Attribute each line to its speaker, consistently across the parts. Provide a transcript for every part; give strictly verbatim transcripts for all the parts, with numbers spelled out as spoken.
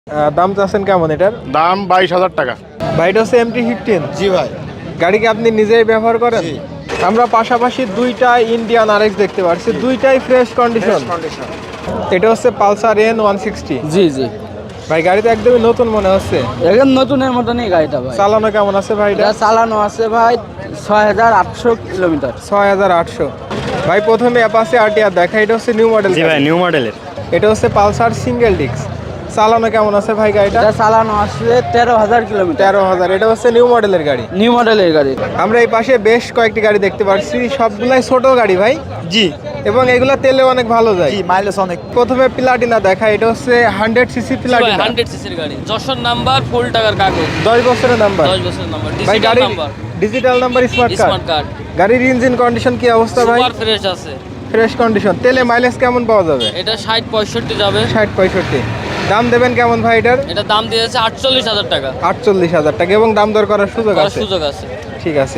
Speaker 1: আহ, দাম চাচ্ছেন কেমন এটার?
Speaker 2: দাম বাইশ হাজার টাকা।
Speaker 1: ভাই এটা হচ্ছে এমটি ফিফটিন।
Speaker 2: জি ভাই।
Speaker 1: গাড়ি কি আপনি নিজেই ব্যবহার করেন?
Speaker 2: জি।
Speaker 1: আমরা পাশাপাশি দুইটা ইন্ডিয়ান আরএক্স দেখতে পাচ্ছি, দুইটাই ফ্রেশ কন্ডিশন।
Speaker 2: কন্ডিশন।
Speaker 1: এটা হচ্ছে পালসার এন ওয়ান সিক্সটি।
Speaker 3: জি জি
Speaker 1: ভাই গাড়িতে একদমই নতুন মনে হচ্ছে।
Speaker 3: একদম নতুনের মতনই গাড়িটা ভাই।
Speaker 1: চালানো কেমন আছে ভাই এটা?
Speaker 3: এটা চালানো আছে ভাই ছয় হাজার আটশো কিলোমিটার।
Speaker 1: ছয় হাজার আটশো। ভাই প্রথমে অ্যাপাচি আরটিআর দেখা, এটা হচ্ছে নিউ মডেল।
Speaker 4: জি ভাই, নিউ মডেলের।
Speaker 1: এটা হচ্ছে পালসার সিঙ্গেল ডিস্ক। চালানো কেমন আছে ভাই গাড়িটা?
Speaker 3: এটা চালানো আছে তেরো হাজার কিলোমিটার।
Speaker 1: তেরো হাজার। এটা হচ্ছে নিউ মডেলের গাড়ি।
Speaker 3: নিউ মডেলের গাড়ি।
Speaker 1: আমরা এই পাশে বেশ কয়েকটি গাড়ি দেখতে পাচ্ছি, সবগুলাই ছোট গাড়ি ভাই।
Speaker 2: জি
Speaker 1: এবং এগুলা তেলে অনেক ভালো যায়।
Speaker 2: জি মাইলেজ অনেক।
Speaker 1: প্রথমে প্লাটিনা দেখা, এটা হচ্ছে হান্ড্রেড সিসি প্লাটিনা।
Speaker 5: হান্ড্রেড সিসির গাড়ি, যশোর নাম্বার, ফুল টাকার কাগজ,
Speaker 1: দশ বছরের নাম্বার।
Speaker 5: দশ বছরের নাম্বার,
Speaker 1: ভাই
Speaker 5: ডিজিটাল
Speaker 1: গাড়ির
Speaker 5: number,
Speaker 1: digital number, smart
Speaker 5: smart
Speaker 1: card.
Speaker 5: Card,
Speaker 1: গাড়ির ইঞ্জিন কন্ডিশন কি অবস্থা ভাই?
Speaker 5: সুপার ফ্রেশ আছে।
Speaker 1: Fresh condition. তেলে মাইলেজ কেমন পাওয়া যাবে?
Speaker 5: এটা ষাট পঁয়ষট্টি যাবে।
Speaker 1: ষাট পঁয়ষট্টি। দাম দেবেন কেমন ভাই এটার?
Speaker 5: এটা দাম দিয়েছে আটচল্লিশ হাজার টাকা।
Speaker 1: আটচল্লিশ হাজার টাকা এবং দাম দর করার সুযোগ
Speaker 5: করার
Speaker 1: আছে।
Speaker 5: সুযোগ আছে।
Speaker 1: ঠিক আছে।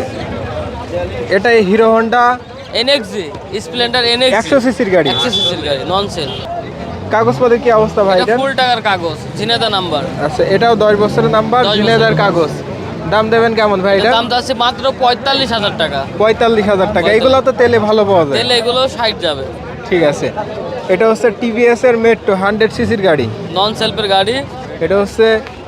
Speaker 1: এটাই Hero Honda
Speaker 5: NXG, Splendor NXG,
Speaker 1: একশো সিসির গাড়ি।
Speaker 5: একশো সিসির গাড়ি, নন সেল।
Speaker 1: কাগজপত্রের কি অবস্থা ভাই
Speaker 5: এটা
Speaker 1: এটার?
Speaker 5: ফুল টাকার কাগজ, ঝিনেদা নাম্বার।
Speaker 1: আচ্ছা, এটাও দশ বছরের নাম্বার,
Speaker 5: দশ
Speaker 1: জিনেদার
Speaker 5: বছরের।
Speaker 1: কাগজ। দাম দেবেন কেমন ভাই
Speaker 5: এটা
Speaker 1: এটা?
Speaker 5: দাম আছে মাত্র পঁয়তাল্লিশ হাজার টাকা।
Speaker 1: পঁয়তাল্লিশ হাজার টাকা। এগুলো তো তেলে ভালো পাওয়া যায়।
Speaker 5: তেলে এগুলো ষাট যাবে।
Speaker 1: ঠিক আছে। এটা হচ্ছে টিভিএস এর মেট্রো হান্ড্রেড সিসির গাড়ি।
Speaker 5: নন সেলফের গাড়ি।
Speaker 1: এটা হচ্ছে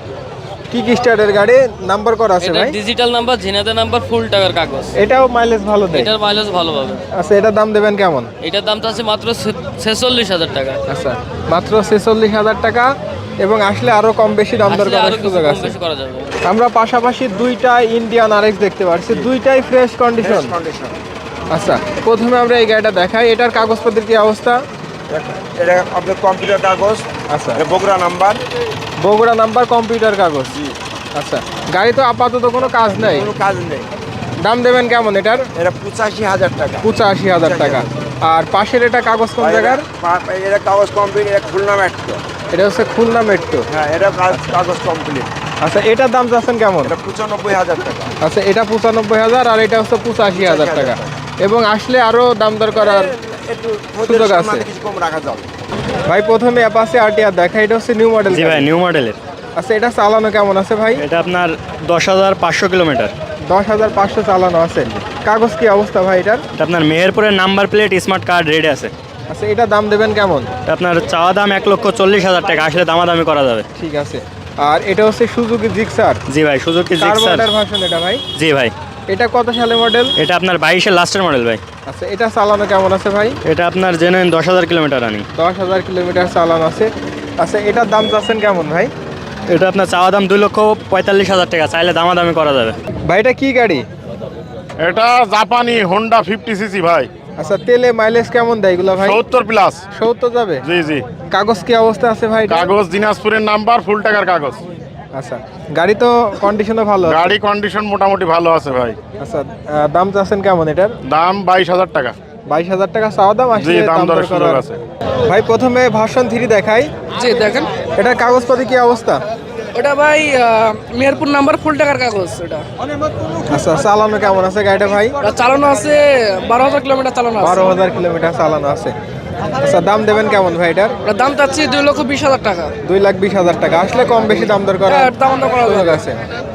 Speaker 1: কিক স্টার্টের গাড়ি, নাম্বার করা আছে
Speaker 5: এটা
Speaker 1: ভাই।
Speaker 5: Digital number, Jhenaidah number, full টাকার কাগজ।
Speaker 1: এটাও মাইলেজ ভালো দেয়।
Speaker 5: এটার মাইলেজ ভালো পাবে।
Speaker 1: আচ্ছা, এটার দাম দেবেন কেমন?
Speaker 5: এটার দামটা আছে মাত্র ছেচল্লিশ হাজার টাকা।
Speaker 1: আচ্ছা, মাত্র ছেচল্লিশ হাজার টাকা এবং আসলে আরো কম বেশি দাম দর
Speaker 5: আসলে
Speaker 1: করার
Speaker 5: আরো কিছু
Speaker 1: সুযোগ
Speaker 5: কম
Speaker 1: আছে।
Speaker 5: বেশি করা যাবে।
Speaker 1: আমরা পাশাপাশি দুইটা ইন্ডিয়ান আরএক্স দেখতে পাচ্ছি, দুইটাই ফ্রেশ কন্ডিশন।
Speaker 2: কন্ডিশন।
Speaker 1: আচ্ছা, প্রথমে আমরা এই গাড়িটা দেখাই। এটার কাগজপত্রের কি অবস্থা?
Speaker 2: এটা আপনার কম্পিউটার কাগজ।
Speaker 1: আচ্ছা,
Speaker 2: এটা Bogura number.
Speaker 1: Bogura number, computer কাগজ। আচ্ছা, গাড়ি তো আপাতত কোনো কাজ নাই।
Speaker 2: কোনো কাজ নেই।
Speaker 1: দাম দেবেন কেমন এটার?
Speaker 2: এটা পঁচাশি হাজার টাকা।
Speaker 1: পঁচাশি হাজার টাকা। আর পাশের এটা কাগজ কোন জায়গার?
Speaker 2: পা- এটা কাগজ কমপ্লিট। এটা খুলনা মেট্রো।
Speaker 1: এটা হচ্ছে খুলনা মেট্রো।
Speaker 2: হ্যাঁ, এটা কাজ- কাগজ কমপ্লিট।
Speaker 1: আচ্ছা, এটার দাম চাচ্ছেন কেমন?
Speaker 2: এটা পঁচানব্বই হাজার টাকা।
Speaker 1: আচ্ছা, এটা পঁচানব্বই হাজার আর এটা হচ্ছে পঁচাশি হাজার টাকা। এবং আসলে আরো দাম দর করার
Speaker 2: একটু
Speaker 1: সুযোগ আছে।
Speaker 2: সম্মানে কিছু কম রাখা যাবে।
Speaker 1: ভাই প্রথমে অ্যাপাচি আরটিআর দেখা, এটা হচ্ছে নিউ মডেল।
Speaker 4: জি ভাই, নিউ মডেলের।
Speaker 1: আচ্ছা, এটা চালানো কেমন আছে ভাই?
Speaker 4: এটা আপনার দশ হাজার পাঁচশো কিলোমিটার।
Speaker 1: দশ হাজার পাঁচশো চালানো আছে। কাগজ কি অবস্থা ভাই এটার?
Speaker 4: এটা আপনার মেহেরপুরের number plate, smart card ready আছে।
Speaker 1: আচ্ছা, এটা দাম দেবেন কেমন?
Speaker 4: এটা আপনার চাওয়া দাম এক লক্ষ চল্লিশ হাজার টাকা, আসলে দামাদামি করা যাবে।
Speaker 1: ঠিক আছে। আর এটা হচ্ছে সুজুকি জিক্সার।
Speaker 4: জি ভাই, সুজুকি জিক্সার।
Speaker 1: কার্বোরেটর ভার্সন এটা ভাই।
Speaker 4: জি ভাই,
Speaker 1: এটা কত সালে মডেল?
Speaker 4: এটা আপনার বাইশের লাস্টের মডেল ভাই।
Speaker 1: আচ্ছা, এটা চালানো কেমন আছে ভাই?
Speaker 4: এটা আপনার জেনুইন দশ হাজার কিলোমিটার রানিং।
Speaker 1: দশ হাজার কিলোমিটার চালানো আছে। আচ্ছা, এটার দাম চাচ্ছেন কেমন ভাই?
Speaker 4: এটা আপনার চাওয়া দাম দুই লক্ষ পঁয়তাল্লিশ হাজার টাকা, চাইলে দামাদামি করা যাবে।
Speaker 1: ভাই এটা কি গাড়ি?
Speaker 2: এটা জাপানি হোন্ডা ফিফটি সিসি ভাই।
Speaker 1: আচ্ছা, তেলে মাইলেজ কেমন দেয় এগুলো ভাই?
Speaker 2: সত্তর প্লাস।
Speaker 1: সত্তর যাবে।
Speaker 2: জি জি।
Speaker 1: কাগজ কি অবস্থা আছে ভাই এটা?
Speaker 2: কাগজ দিনাজপুরের নাম্বার, ফুল টাকার কাগজ।
Speaker 1: আচ্ছা, গাড়ি তো কন্ডিশনও ভালো আছে।
Speaker 2: গাড়ি কন্ডিশন মোটামুটি ভালো আছে ভাই।
Speaker 1: আচ্ছা, আহ, দাম চাচ্ছেন কেমন এটার?
Speaker 2: দাম বাইশ হাজার টাকা।
Speaker 1: বাইশ হাজার টাকা চাওয়া দাম,
Speaker 2: জি,
Speaker 1: আসলে
Speaker 2: দাম
Speaker 1: দাম
Speaker 2: দরের
Speaker 1: দর
Speaker 2: সুযোগ
Speaker 1: করার
Speaker 2: আছে।
Speaker 1: ভাই প্রথমে ভার্সন থ্রি দেখাই।
Speaker 3: জি দেখেন,
Speaker 1: এটার কাগজপত্র কি অবস্থা?
Speaker 3: ওটা ভাই মেহেরপুর নাম্বার, ফুল টাকার কাগজ। ওটা
Speaker 1: আচ্ছা, চালানো কেমন আছে গাড়িটা ভাই?
Speaker 3: ওটা চালানো আছে বারো হাজার কিলোমিটার চালানো আছে।
Speaker 1: বারো হাজার কিলোমিটার চালানো আছে। আচ্ছা, দাম দেবেন কেমন ভাই এটার?
Speaker 3: ওটার দাম চাচ্ছি দুই লক্ষ বিশ হাজার টাকা।
Speaker 1: দুই লাখ বিশ হাজার টাকা। আসলে কম বেশি দাম দর করার
Speaker 3: হ্যাঁ, দাম দর করা
Speaker 1: সুযোগ
Speaker 3: যাবে।
Speaker 1: আছে।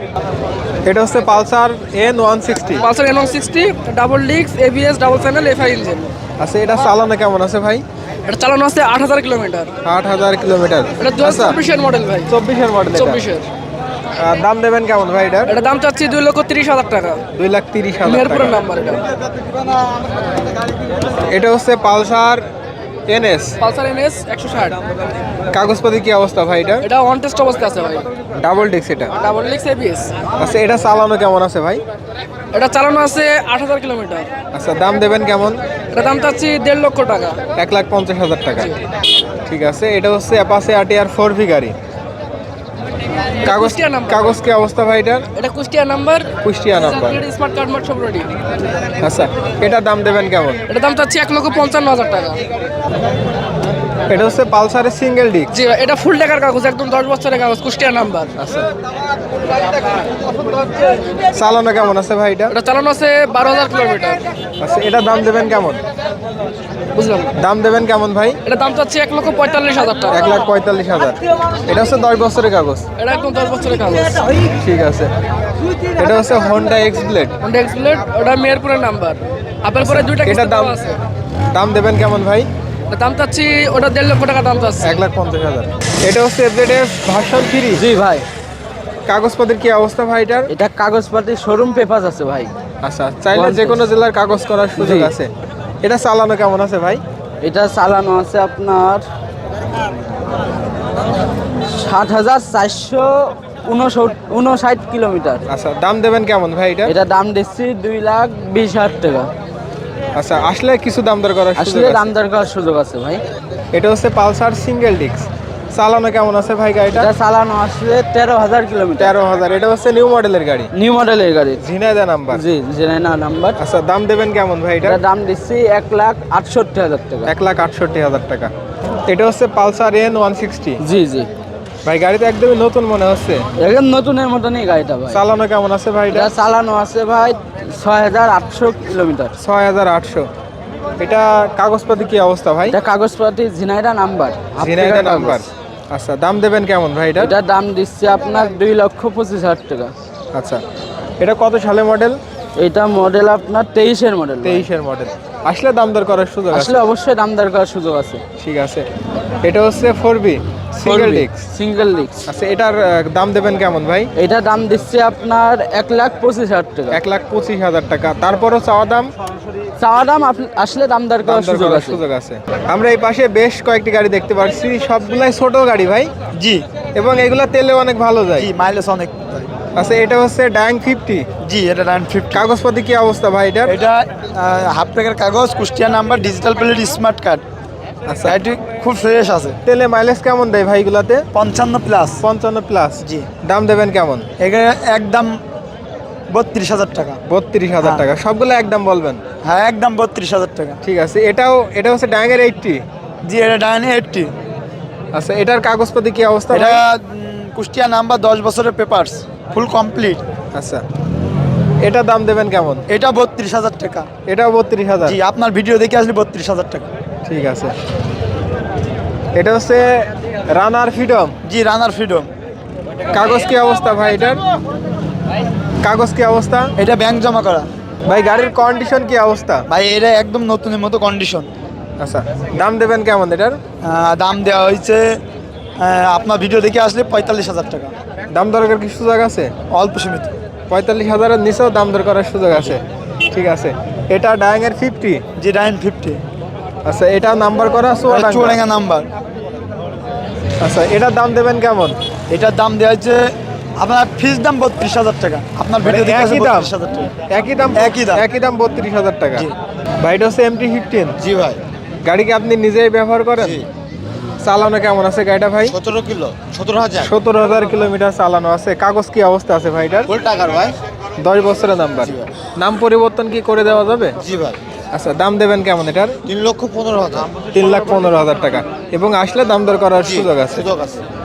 Speaker 1: এটা হচ্ছে Pulsar N one sixty.
Speaker 3: Pulsar N one sixty, double disc, ABS, double channel, FI engine.
Speaker 1: আচ্ছা, এটা চালানো কেমন আছে ভাই?
Speaker 3: এটা চালানো আছে আট হাজার কিলোমিটার।
Speaker 1: আট হাজার কিলোমিটার।
Speaker 3: এটা দু হাজার
Speaker 1: আচ্ছা,
Speaker 3: চব্বিশের মডেল ভাই।
Speaker 1: চব্বিশের মডেল।
Speaker 3: চব্বিশের।
Speaker 1: দাম দেবেন কেমন ভাই এটার?
Speaker 3: এটা দাম চাচ্ছি দুই লক্ষ তিরিশ হাজার টাকা।
Speaker 1: দুই লাখ তিরিশ হাজার
Speaker 3: মেহেরপুরের
Speaker 1: টাকা।
Speaker 3: নাম্বার এটা।
Speaker 1: এটা হচ্ছে পালসার এনএস।
Speaker 3: পালসার এনএস একশো ষাট।
Speaker 1: কাগজপাতি কি অবস্থা ভাই এটা?
Speaker 3: এটা ওয়ান টেস্ট অবস্থা আছে ভাই।
Speaker 1: ডাবল ডিস্ক এটা।
Speaker 3: Double disc, ABS.
Speaker 1: আচ্ছা, এটা চালানো কেমন আছে ভাই?
Speaker 3: এটা চালানো আছে আট হাজার কিলোমিটার।
Speaker 1: আচ্ছা, দাম দেবেন কেমন?
Speaker 3: এটা দাম চাচ্ছি দেড় লক্ষ টাকা।
Speaker 1: এক লাখ পঞ্চাশ হাজার টাকা। ঠিক আছে। এটা হচ্ছে অ্যাপাচি আরটিআর ফোর ভি গাড়ি। কাগজ
Speaker 3: কুষ্টিয়া নাম্বার।
Speaker 1: কাগজ কি অবস্থা ভাই এটার?
Speaker 3: এটা Kushtia number,
Speaker 1: Kushtia number.
Speaker 3: Smart card মার্ট সব রেডি।
Speaker 1: আচ্ছা, এটার দাম দেবেন কেমন?
Speaker 3: এটা দাম চাচ্ছি এক লক্ষ পঞ্চান্ন হাজার টাকা।
Speaker 1: এটা হচ্ছে পালসারের সিঙ্গেল ডিস্ক।
Speaker 3: জি ভাই, এটা ফুল টাকার কাগজ, একদম দশ বছরের কাগজ, কুষ্টিয়া নাম্বার।
Speaker 1: আচ্ছা, চালানো কেমন আছে ভাই এটা?
Speaker 3: এটা চালানো আছে বারো হাজার কিলোমিটার।
Speaker 1: আচ্ছা, এটা দাম দেবেন কেমন?
Speaker 3: বুঝলাম।
Speaker 1: দাম দেবেন কেমন ভাই?
Speaker 3: এটা দাম চাচ্ছি এক লক্ষ পঁয়তাল্লিশ হাজার টাকা।
Speaker 1: এক লাখ পঁয়তাল্লিশ হাজার। এটা হচ্ছে দশ বছরের কাগজ।
Speaker 3: এটা একদম দশ বছরের কাগজ।
Speaker 1: ঠিক আছে। এটা হচ্ছে Honda X Blade.
Speaker 3: Honda X Blade, ওটা মেহেরপুরের নাম্বার। আপনার পরে দুইটা
Speaker 1: এটা
Speaker 3: কিস্তি
Speaker 1: দাম
Speaker 3: দেওয়া আছে।
Speaker 1: দাম দেবেন কেমন ভাই?
Speaker 3: এটা দাম চাচ্ছি ওটা দেড় লক্ষ টাকা দাম চাচ্ছি।
Speaker 1: এক লাখ পঞ্চাশ হাজার। এটা হচ্ছে এফজেড এফ ভার্সন থ্রি।
Speaker 6: জি ভাই,
Speaker 1: কাগজপত্রের কি অবস্থা ভাই এটার?
Speaker 6: এটা কাগজপাতি শোরুম পেপার আছে ভাই।
Speaker 1: আচ্ছা, চাইলে যে কোনো জেলার কাগজ করার সুযোগ
Speaker 6: জি।
Speaker 1: আছে। এটা চালানো কেমন আছে ভাই?
Speaker 6: এটা চালানো আছে আপনার ষাট হাজার চারশো উনষাট কিলোমিটার।
Speaker 1: আচ্ছা, দাম দেবেন কেমন ভাই এটা?
Speaker 6: এটা দাম দিচ্ছি দুই লাখ বিশ হাজার টাকা।
Speaker 1: আচ্ছা, আসলে কিছু দাম দর করার সুযোগ
Speaker 6: আসলে
Speaker 1: আছে।
Speaker 6: দাম দর করার সুযোগ আছে ভাই।
Speaker 1: এটা হচ্ছে পালসার সিঙ্গেল ডিস্ক। চালানো কেমন আছে ভাই গাড়িটা?
Speaker 6: এটা চালানো আসলে তেরো হাজার কিলোমিটার।
Speaker 1: তেরো হাজার। এটা হচ্ছে নিউ মডেলের গাড়ি,
Speaker 6: নিউ মডেলের গাড়ি।
Speaker 1: ঝিনাইদহ নাম্বার।
Speaker 6: জি, জেনাইনা নাম্বার।
Speaker 1: আচ্ছা, দাম দেবেন কেমন ভাই এটা?
Speaker 6: এটা দাম দিচ্ছি এক লাখ আটষট্টি হাজার টাকা।
Speaker 1: এক লাখ আটষট্টি হাজার টাকা। এটা হচ্ছে পালসার এন ওয়ান সিক্সটি।
Speaker 6: জি জি,
Speaker 1: ভাই গাড়িটা একদমই নতুন মনে হচ্ছে।
Speaker 6: একদম নতুনের মতনই গাড়িটা ভাই।
Speaker 1: চালানো কেমন আছে ভাই এটা?
Speaker 6: এটা চালানো আছে ভাই ছয় হাজার আটশো কিলোমিটার।
Speaker 1: ছয় হাজার আটশো। এটা কাগজপাতি কি অবস্থা ভাই?
Speaker 6: এটা কাগজপাতি ঝিনাইদহ নাম্বার।
Speaker 1: ঝিনাইদহ নাম্বার। আচ্ছা, দাম দেবেন কেমন ভাই এটা?
Speaker 6: এটা দাম দিচ্ছে আপনার দুই লক্ষ পঁচিশ হাজার টাকা।
Speaker 1: আচ্ছা, এটা কত সালে মডেল?
Speaker 6: এটা মডেল আপনার তেইশের মডেল।
Speaker 1: তেইশের মডেল। আসলে দাম দর করার সুযোগ আছে।
Speaker 6: আসলে অবশ্যই দাম দর করার সুযোগ আছে।
Speaker 1: ঠিক আছে। এটা হচ্ছে four B single disc.
Speaker 6: Single disc.
Speaker 1: আচ্ছা, এটার আহ, দাম দেবেন কেমন ভাই?
Speaker 6: এটা দাম দিচ্ছে আপনার এক লাখ পঁচিশ হাজার টাকা।
Speaker 1: এক লাখ পঁচিশ হাজার টাকা। তারপরও চাওয়া দাম
Speaker 6: চাওয়া দাম আপ- আসলে দাম দর
Speaker 1: দাম
Speaker 6: করার
Speaker 1: দর
Speaker 6: সুযোগ
Speaker 1: করার
Speaker 6: আছে।
Speaker 1: সুযোগ আছে। আমরা এই পাশে বেশ কয়েকটি গাড়ি দেখতে পাচ্ছি, সবগুলাই ছোট গাড়ি ভাই।
Speaker 7: জি
Speaker 1: এবং এগুলা তেলে অনেক ভালো যায়।
Speaker 7: জি মাইলেজ অনেক।
Speaker 1: আচ্ছা, এটা হচ্ছে ডাং ফিফটি।
Speaker 7: জি এটা নাইন ফিফটি।
Speaker 1: কাগজপাতি কি অবস্থা ভাই এটার?
Speaker 7: এটা হাফ টাকার কাগজ, Kushtia number, digital plate, smart card.
Speaker 1: আচ্ছা,
Speaker 7: গাড়িটি খুব ফ্রেশ আছে।
Speaker 1: তেলে মাইলেজ কেমন দেয় ভাই এগুলাতে?
Speaker 7: পঞ্চান্ন প্লাস।
Speaker 1: পঞ্চান্ন প্লাস।
Speaker 7: জি।
Speaker 1: দাম দেবেন কেমন?
Speaker 7: এখানে একদম বত্রিশ হাজার টাকা।
Speaker 1: বত্রিশ হাজার
Speaker 7: হ্যাঁ।
Speaker 1: টাকা। সবগুলো একদম বলবেন?
Speaker 7: হ্যাঁ একদম বত্রিশ হাজার টাকা।
Speaker 1: ঠিক আছে। এটাও এটা হচ্ছে ডাঙের এইটটি।
Speaker 7: জি এটা ডাইনি এইটটি।
Speaker 1: আচ্ছা, এটার কাগজপাতি কি অবস্থা
Speaker 7: এটা
Speaker 1: ভাই?
Speaker 7: উম, কুষ্টিয়া নাম্বার, দশ বছরের পেপারস, ফুল কমপ্লিট।
Speaker 1: আচ্ছা, এটা দাম দেবেন কেমন?
Speaker 7: এটা বত্রিশ হাজার টাকা।
Speaker 1: এটাও বত্রিশ হাজার।
Speaker 7: জি আপনার ভিডিও দেখে আসলে বত্রিশ হাজার টাকা।
Speaker 1: ঠিক আছে। এটা হচ্ছে রানার ফ্রিডম।
Speaker 7: জি রানার ফ্রিডম।
Speaker 1: কাগজ কি অবস্থা ভাই এটার? কাগজ কি অবস্থা?
Speaker 7: এটা ব্যাংক জমা করা।
Speaker 1: ভাই গাড়ির কন্ডিশন কি অবস্থা?
Speaker 7: ভাই এটা একদম নতুনের মতো কন্ডিশন।
Speaker 1: আচ্ছা, দাম দেবেন কেমন এটার?
Speaker 7: আহ, দাম দেওয়া হয়েছে আহ, আপনার ভিডিও দেখে আসলে পঁয়তাল্লিশ হাজার টাকা।
Speaker 1: দাম দরকার কি সুযোগ আছে?
Speaker 7: অল্প সীমিত।
Speaker 1: পঁয়তাল্লিশ হাজারের নিচেও দাম দর করার সুযোগ আছে। ঠিক আছে। এটা ডায়াঙের ফিফটি।
Speaker 7: জি নাইন ফিফটি।
Speaker 1: আচ্ছা, এটা নাম্বার করা চুয়াডাঙ্গা।
Speaker 7: চুয়াডাঙ্গা নাম্বার।
Speaker 1: আচ্ছা, এটার দাম দেবেন কেমন?
Speaker 7: এটার দাম দেওয়া হচ্ছে আপনার ফিস দাম বত্রিশ হাজার টাকা। আপনার ভিডিও দেখে আসলে
Speaker 1: একই দাম?
Speaker 7: বত্রিশ হাজার টাকা।
Speaker 1: একই দাম?
Speaker 7: একই দাম।
Speaker 1: একই দাম বত্রিশ হাজার টাকা।
Speaker 7: জি।
Speaker 1: ভাই এটা হচ্ছে এমটি ফিফটিন।
Speaker 7: জি ভাই।
Speaker 1: গাড়ি কি আপনি নিজেই ব্যবহার করেন? চালানো কেমন আছে গাড়িটা ভাই?
Speaker 7: সতেরো কিলো সতেরো হাজার
Speaker 1: সতেরো হাজার কিলোমিটার চালানো আছে। কাগজ কি অবস্থা আছে ভাইটার?
Speaker 7: ফুল টাকার ভাই।
Speaker 1: দশ বছরের নাম্বার। নাম পরিবর্তন কি করে দেওয়া যাবে?
Speaker 7: জি ভাই।
Speaker 1: আচ্ছা, দাম দেবেন কেমন এটার?
Speaker 7: তিন লক্ষ পনেরো হাজার।
Speaker 1: তিন লাখ পনেরো হাজার টাকা। এবং আসলে দাম দর করার সুযোগ আছে।
Speaker 7: সুযোগ আছে।